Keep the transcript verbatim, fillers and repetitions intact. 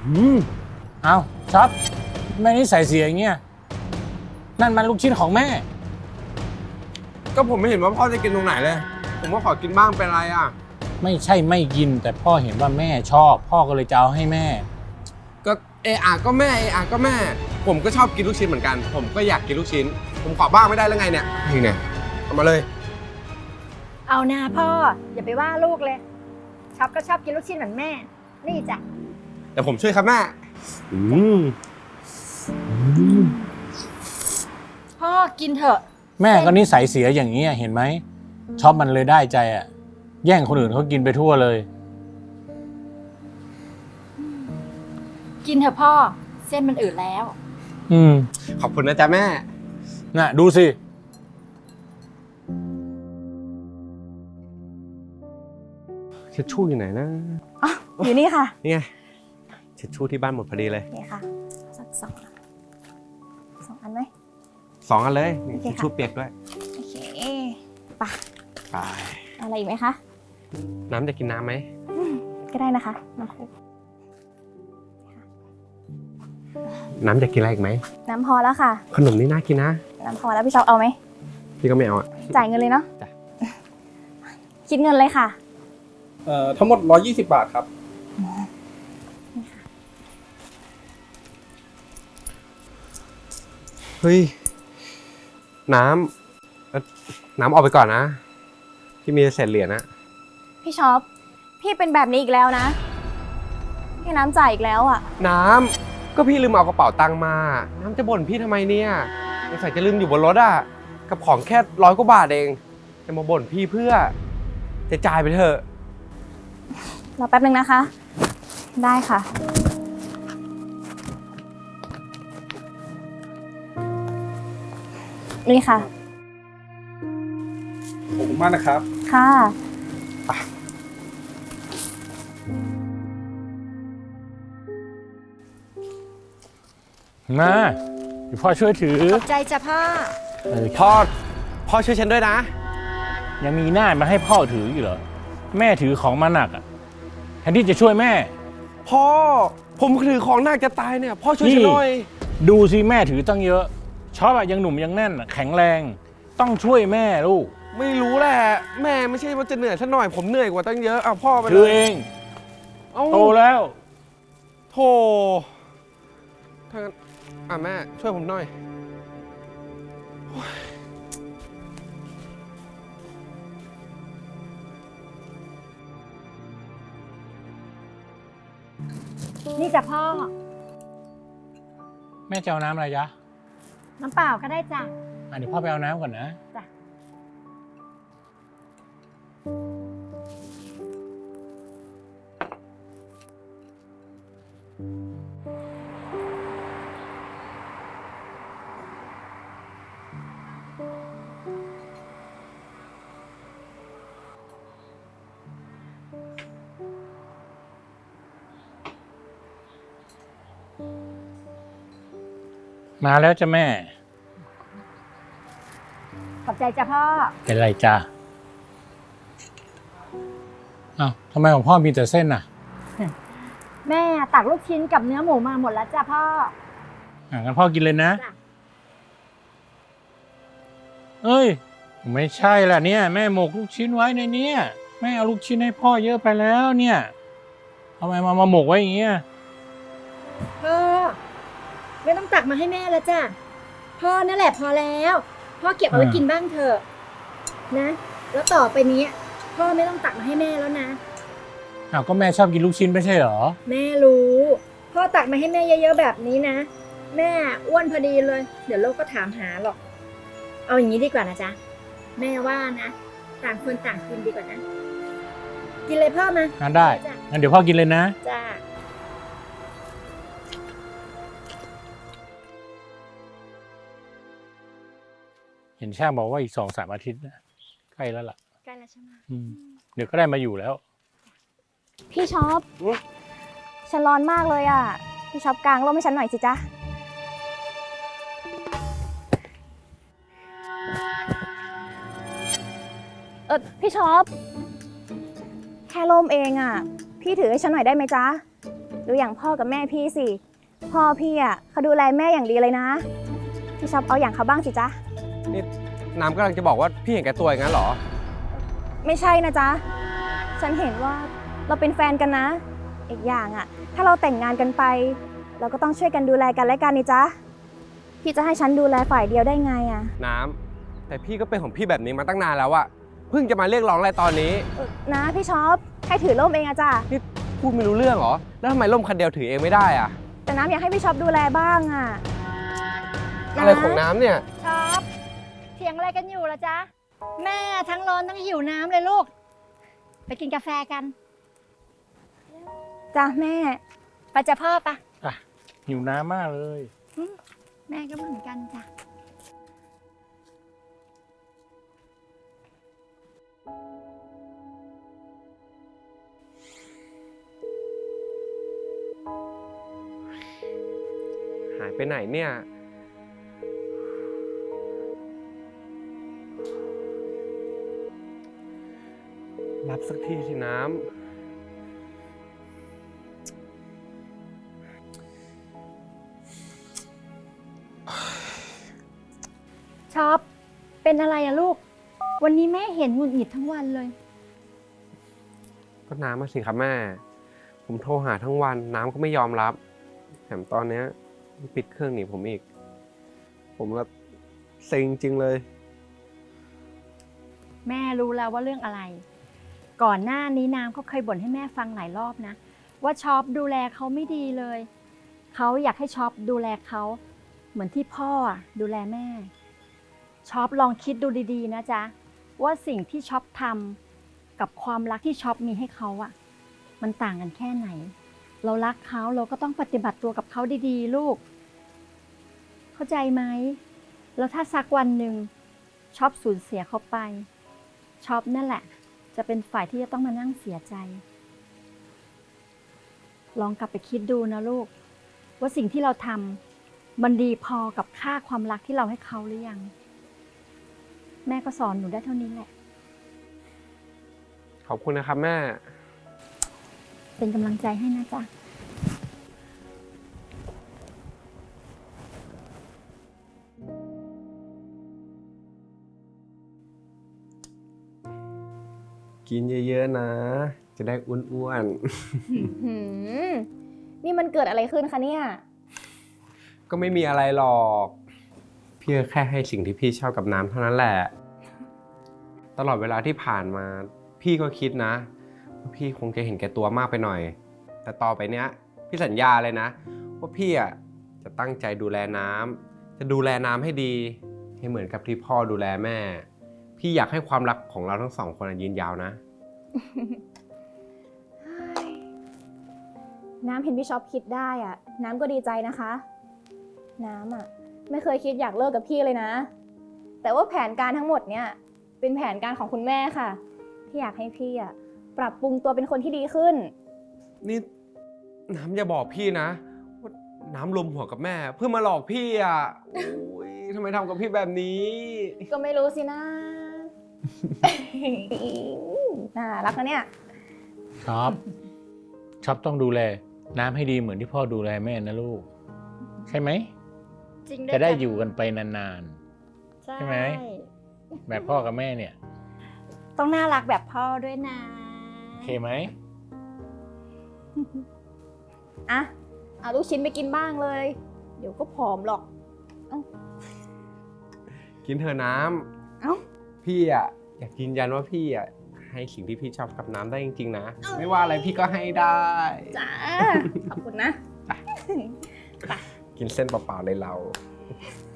อืมเอาช็อปแม่นี่ใส่เสียอย่างเงี้ยนั่นมันลูกชิ้นของแม่ก็ผมไม่เห็นว่าพ่อจะกินตรงไหนเลยผมก็ขอกินบ้างเป็นไรอ่ะไม่ใช่ไม่กินแต่พ่อเห็นว่าแม่ชอบพ่อก็เลยจะเอาให้แม่ก็เออาก็แม่เออาก็แม่ผมก็ชอบกินลูกชิ้นเหมือนกันผมก็อยากกินลูกชิ้นผมขอบ้างไม่ได้แล้วไงเนี่ยนี่เนี่ยเอามาเลยเอานาพ่ออย่าไปว่าลูกเลยช็อปก็ชอบกินลูกชิ้นเหมือนแม่ นี่จ้ะแต่ผมช่วยครับแม่อืมพ่อกินเถอะแม่ก็นิสัยเสียอย่างนี้เห็นไหมชอบมันเลยได้ใจอ่ะแย่งคนอื่นเขากินไปทั่วเลยกินเถอะพ่อเส้นมันอืดแล้วอืมขอบคุณนะจ๊ะแม่น่ะดูสิเช็ดชู่อยู่ไหนนะอ๋ออยู่นี่ค่ะนี่ไงเช็ดชู่ที่บ้านหมดพอดีเลยนี่ค่ะสักสองสองอันไหมสองอันเลยนี่โอเคเช็ดค่ะชู่เปียกด้วยโอเคไปไปอะไรอีกไหมคะน้ำจะกินน้ำไหมก็ได้นะคะน้ำคุกน้ำจะกินอะไรอีกไหมน้ำพอแล้วค่ะขนมนี่น่ากินนะน้ำพอแล้วพี่ช็อปเอาไหมพี่ก็ไม่เอาอ่ะจ่ายเงินเลยเนาะจ้ะคิดเงินเลยค่ะเอ่อทั้งหมดหนึ่งร้อยยี่สิบบาทครับเฮ้ยน้ำเอ่อน้ำออกไปก่อนนะพี่มีเศษเหรียญนะพี่ช็อปพี่เป็นแบบนี้อีกแล้วนะพี่น้ำจ่ายอีกแล้วอ่ะน้ำก็พี่ลืมเอากระเป๋าตังค์มา น้ำจะบ่นพี่ทำไมเนี่ยสงสัยจะลืมอยู่บนรถอ่ะกับของแค่ร้อยกว่าบาทเองจะมาบ่นพี่เพื่อจะจ่ายไปเถอะรอแป๊บนึงนะคะ ได้ค่ะ นี่ค่ะขอบคุณมากนะครับค่ะมาเดี๋ยวพ่อช่วยถือขอบใจจ้ะพ่อเออพ่อพ่อช่วยฉันด้วยนะยังมีหน้ามาให้พ่อถืออยู่เหรอแม่ถือของมาหนักอ่ะแทนที่จะช่วยแม่พ่อผมถือของหนักจะตายเนี่ยพ่อช่วยฉันหน่อยดูสิแม่ถือตั้งเยอะชอบอะยังหนุ่มยังแน่นอะแข็งแรงต้องช่วยแม่ลูกไม่รู้แหละแม่ไม่ใช่ว่าจะเหนื่อยซะหน่อยผมเหนื่อยกว่าตั้งเยอะเอาพ่อไปถืเลอย เองเอ้าโตแล้วโธ่ถ้างั้นอ่ะแม่ช่วยผมหน่อยนี่จ้ะพ่อแม่จะเอาน้ำอะไรจ๊ะน้ำเปล่าก็ได้จ้ะอ่ะเดี๋ยวพ่อไปเอาน้ำก่อนนะจ้ะมาแล้วจ้ะแม่ขอบใจจ้ะพ่อเป็นไรจ้ะอ้าวทำไมของพ่อมีแต่เส้นน่ะแม่ตักลูกชิ้นกับเนื้อหมูมาหมดแล้วจ้ะพ่ออ่ะงั้นพ่อกินเลยนะจ้ะเอ้ยไม่ใช่ล่ะเนี่ยแม่หมกลูกชิ้นไว้ในเนี้ยแม่เอาลูกชิ้นให้พ่อเยอะไปแล้วเนี่ยทำไมมามาหมกไว้อย่างเงี้ยพ่อไม่ต้องตักมาให้แม่แล้วจ้ะพ่อนั่นแหละพอแล้วพ่อเก็บเอาไว้กินบ้างเถอะนะ แล้วต่อไปนี้พ่อไม่ต้องตักมาให้แม่แล้วนะอ้าวก็แม่ชอบกินลูกชิ้นไม่ใช่เหรอแม่รู้พ่อตักมาให้แม่เยอะๆแบบนี้นะแม่อ้วนพอดีเลย เดี๋ยวโลกก็ถามหาหรอก เอาอย่างนี้ดีกว่านะจ๊ะแม่ว่านะต่างคนต่างกินดีกว่านะ กินเลยพ่อมางั้นได้จ้ะงั้นเดี๋ยวพ่อกินเลยนะจ้าเห็นช่างบอกว่าอีกสองสามอาทิตย์นะใกล้แล้วล่ะใกล้แล้วใช่ไหมอืมเดี๋ยวก็ได้มาอยู่แล้วพี่ช็อปฉันร้อนมากเลยอ่ะพี่ช็อปกางร่มให้ฉันหน่อยสิจ๊ะเออพี่ช็อปแค่ร่มเองอ่ะพี่ถือให้ฉันหน่อยได้ไหมจ๊ะดูอย่างพ่อกับแม่พี่สิพ่อพี่อ่ะเขาดูแลแม่อย่างดีเลยนะพี่ชอบเอาอย่างเขาบ้างสิจ๊ะนี่น้ำกำลังจะบอกว่าพี่เห็นแก่ตัวอย่างนั้นเหรอไม่ใช่นะจ๊ะฉันเห็นว่าเราเป็นแฟนกันนะ อีกอย่างอ่ะถ้าเราแต่งงานกันไป เราก็ต้องช่วยกันดูแลกันและกันนี่จ๊ะพี่จะให้ฉันดูแลฝ่ายเดียวได้ไงอ่ะน้ำแต่พี่ก็เป็นของพี่แบบนี้มาตั้งนานแล้วอะเพิ่งจะมาเรียกร้องอะไรตอนนี้เออนะพี่ชอบแค่ถือร่มเองอะจ้ะนี่พูดไม่รู้เรื่องเหรอ แล้วทำไมร่มคันเดียวถือเองไม่ได้อะแต่น้ำอยากให้พี่ชอบดูแลบ้างอะอะไรของน้ำเนี่ยช็อปเถียงอะไรกันอยู่ล่ะจ๊ะ แม่ทั้งร้อนทั้งหิวน้ำเลยลูก ไปกินกาแฟกันจ้ะแม่ไปจะพ่อปะอ่ะหิวน้ำมากเลยแม่ก็เหมือนกันจ้ะหายไปไหนเนี่ย รับสักทีสิน้ำช็อปเป็นอะไรอะลูก วันนี้แม่เห็นหงุดหงิดทั้งวันเลยก็น้ำมาสิครับแม่ ผมโทรหาทั้งวันน้ำก็ไม่ยอมรับ แถมตอนเนี้ยปิดเครื่องหนีผมอีก ผมละเซ็งจริงเลยแม่รู้แล้วว่าเรื่องอะไร ก่อนหน้านี้น้ำเขาเคยบ่นให้แม่ฟังหลายรอบนะ ว่าช็อปดูแลเขาไม่ดีเลย เขาอยากให้ช็อปดูแลเขาเหมือนที่พ่ออะดูแลแม่ช็อปลองคิดดูดีๆนะจ๊ะว่าสิ่งที่ช็อปทำกับความรักที่ช็อปมีให้เขาอะมันต่างกันแค่ไหน เรารักเขาเราก็ต้องปฏิบัติตัวกับเขาดีๆลูก เข้าใจไหมแล้วถ้าสักวันหนึ่งช็อปสูญเสียเขาไปช็อปนั่นแหละจะเป็นฝ่ายที่จะต้องมานั่งเสียใจ ลองกลับไปคิดดูนะลูกว่าสิ่งที่เราทำมันดีพอกับค่าความรักที่เราให้เขาหรือยังแม่ก็สอนหนูได้เท่านี้แหละขอบคุณนะครับแม่เป็นกำลังใจให้นะจ๊ะกินเยอะๆนะ จะได้อ้วนหืมนี่มันเกิดอะไรขึ้นคะเนี่ยๆ ก็ไม่มีอะไรหรอก พี่ก็แค่ให้สิ่งที่พี่ชอบกับน้ำเท่านั้นแหละ ตลอดเวลาที่ผ่านมา พี่ก็คิดนะว่าพี่คงจะเห็นแก่ตัวมากไปหน่อย แต่ต่อไปเนี้ยพี่สัญญาเลยนะ ว่าพี่อ่ะจะตั้งใจดูแลน้ำจะดูแลน้ำให้ดี ให้เหมือนกับที่พ่อดูแลแม่ พี่อยากให้ความรักของเราทั้งสองคนยืนยาวนะน้ำเห็นพี่ช็อปคิดได้อะน้ำก็ดีใจนะคะ น้ำอะไม่เคยคิดอยากเลิกกับพี่เลยนะ แต่ว่าแผนการทั้งหมดเนี่ยเป็นแผนการของคุณแม่ค่ะ ที่อยากให้พี่อะปรับปรุงตัวเป็นคนที่ดีขึ้นนี่น้ำอย่าบอกพี่นะว่าน้ำรวมหัวกับแม่ เพื่อมาหลอกพี่อ่ะโอ้ยทำไมทำกับพี่แบบนี้ก็ไม่รู้สินะ น่ารักนะเนี่ยช็อป ช็อปต้องดูแลน้ำให้ดีเหมือนที่พ่อดูแลแม่นะลูก ใช่ไหมจริงด้วยจะได้จ้อยู่กันไปนาน ใช่ไหม ๆ แบบพ่อกับแม่เนี่ยต้องน่ารักแบบพ่อด้วยนะโอเคไหมอ่ะ เอาลูกชิ้นไปกินบ้างเลย เดี๋ยวก็ผอมหรอกกินเธอะน้เอ้าำพี่อ่ะอยากยืนยันว่าพี่อ่ะให้สิ่งที่พี่ชอบกับน้ำได้จริงๆนะ ไม่ว่าอะไรพี่ก็ให้ได้จ้า ขอบคุณนะกินเส้นเปล่าๆเลยเราอ